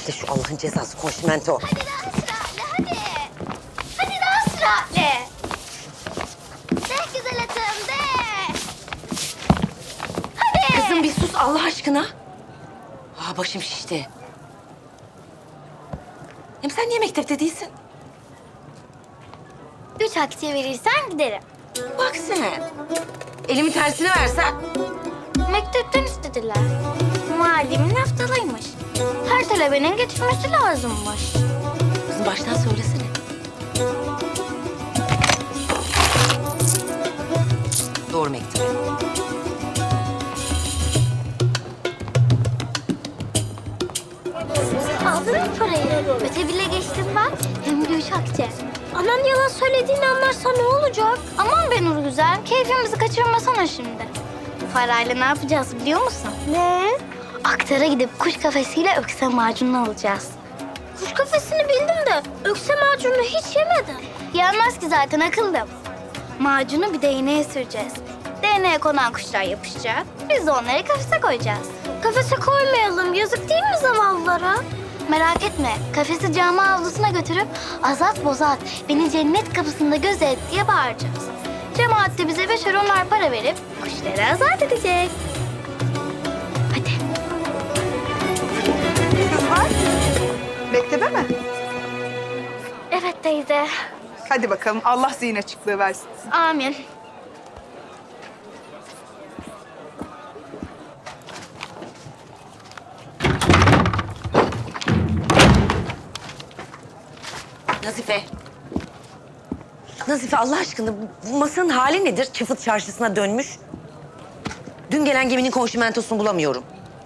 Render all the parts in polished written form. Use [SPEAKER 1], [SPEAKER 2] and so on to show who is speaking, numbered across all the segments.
[SPEAKER 1] Bekle şu Allah'ın cezası konşimento.
[SPEAKER 2] Hadi daha süratle hadi. Hadi daha süratle. De güzel atım de. Hadi.
[SPEAKER 1] Kızım bir sus Allah aşkına. Başım şişti. Hem sen niye mektepte değilsin?
[SPEAKER 2] 3 akçe verirsen giderim.
[SPEAKER 1] Bak sen. Elimin tersine versen.
[SPEAKER 2] Mektepten istediler. Muallimin haftalıymış. Her talebenin getirmesi lazımmış.
[SPEAKER 1] Kızım baştan söylesene. Doğru mektup.
[SPEAKER 2] Aldın mı parayı? Öte bile geçtim ben. Hem de 3 akçe. Anan yalan söylediğini anlarsa ne olacak? Aman be Nur güzel, keyfimizi kaçırmasana şimdi. Bu parayla ne yapacağız biliyor musun? Ne? Aktara gidip kuş kafesiyle ökse macunu alacağız. Kuş kafesini bildim de ökse macunu hiç yemedim. Yenmez ki zaten akıllım. Macunu bir değneğe süreceğiz. Değneğe konan kuşlar yapışacak. Biz de onları kafese koyacağız. Kafese koymayalım. Yazık değil mi zavallılara? Merak etme. Kafesi cami avlusuna götürüp azat bozat beni cennet kapısında gözet diye bağıracağız. Cemaat de bize 5 onlar para verip kuşları azat edecek. Hadi.
[SPEAKER 3] Kızlar, mektebe mi?
[SPEAKER 2] Evet teyze.
[SPEAKER 3] Hadi bakalım, Allah zihin açıklığı versin.
[SPEAKER 2] Amin.
[SPEAKER 1] Nazife. Nazife Allah aşkına bu masanın hali nedir? Çıfıt çarşısına dönmüş. Dün gelen geminin konşimentosunu bulamıyorum.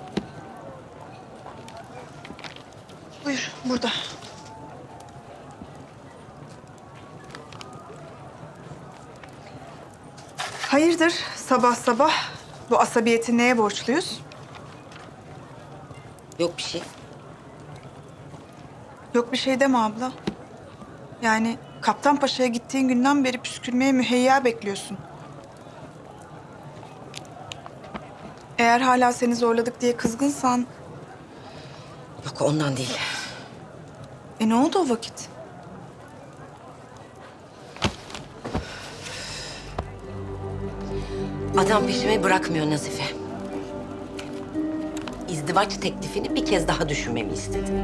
[SPEAKER 3] Buyur, burada. Hayırdır sabah sabah? Bu asabiyeti neye borçluyuz?
[SPEAKER 1] Yok bir şey.
[SPEAKER 3] Yok bir şey deme abla. Yani Kaptan Paşa'ya gittiğin günden beri püskürmeye müheyya bekliyorsun. Eğer hala seni zorladık diye kızgınsan...
[SPEAKER 1] Yok ondan değil.
[SPEAKER 3] Ne oldu o vakit?
[SPEAKER 1] Adam peşimi bırakmıyor Nazife. İzdivaç teklifini bir kez daha düşünmemi istedi.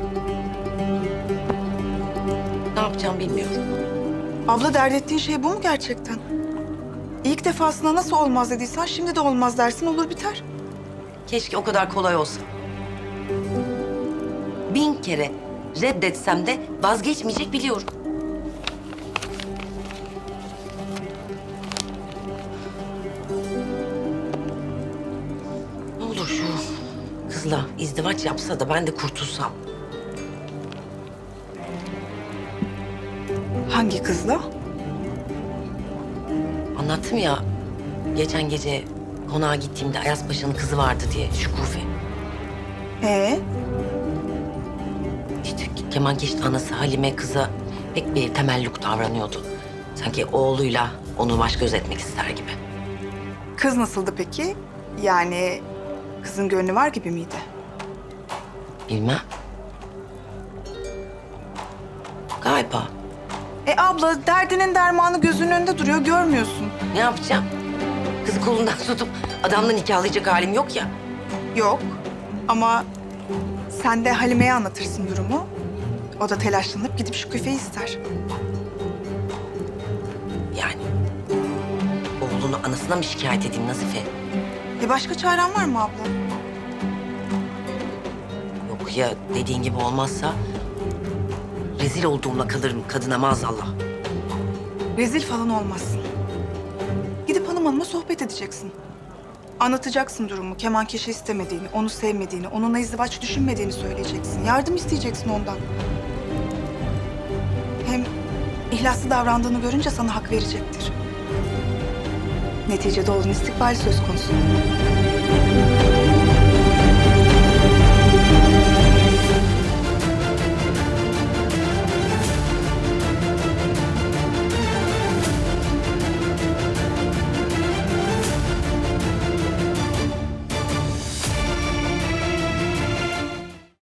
[SPEAKER 1] Ne yapacağım bilmiyorum.
[SPEAKER 3] Abla dert ettiğin şey bu mu gerçekten? İlk defasında nasıl olmaz dediysen şimdi de olmaz dersin olur biter.
[SPEAKER 1] Keşke o kadar kolay olsa. 1000 kere reddetsem de vazgeçmeyecek biliyorum. Ne olur şu kızla izdivaç yapsa da ben de kurtulsam.
[SPEAKER 3] Hangi kızla?
[SPEAKER 1] Anlattım ya geçen gece konağa gittiğimde Ayaz Paşa'nın kızı vardı diye Şükufe. İşte kemankeşin anası Halime kıza pek bir temelluk davranıyordu. Sanki oğluyla onu baş göz etmek ister gibi.
[SPEAKER 3] Kız nasıldı peki? Yani kızın gönlü var gibi miydi?
[SPEAKER 1] Bilmem. Galiba.
[SPEAKER 3] Abla derdinin dermanı gözünün önünde duruyor görmüyorsun.
[SPEAKER 1] Ne yapacağım? Kızı kolundan tutup adamla nikahlayacak halim yok ya.
[SPEAKER 3] Yok ama sen de Halime'ye anlatırsın durumu. O da telaşlanıp gidip şu küfeyi ister.
[SPEAKER 1] Yani oğlunu anasına mı şikayet edeyim Nazife?
[SPEAKER 3] Başka çaren var mı abla?
[SPEAKER 1] Yok ya dediğin gibi olmazsa rezil olduğumla kalırım kadına maazallah.
[SPEAKER 3] Rezil falan olmazsın. Gidip hanıma sohbet edeceksin. Anlatacaksın durumu, kemankeşi istemediğini, onu sevmediğini, onunla izdivaç düşünmediğini söyleyeceksin. Yardım isteyeceksin ondan. Hem ihlaslı davrandığını görünce sana hak verecektir. Neticede oğlun istikbali söz konusu.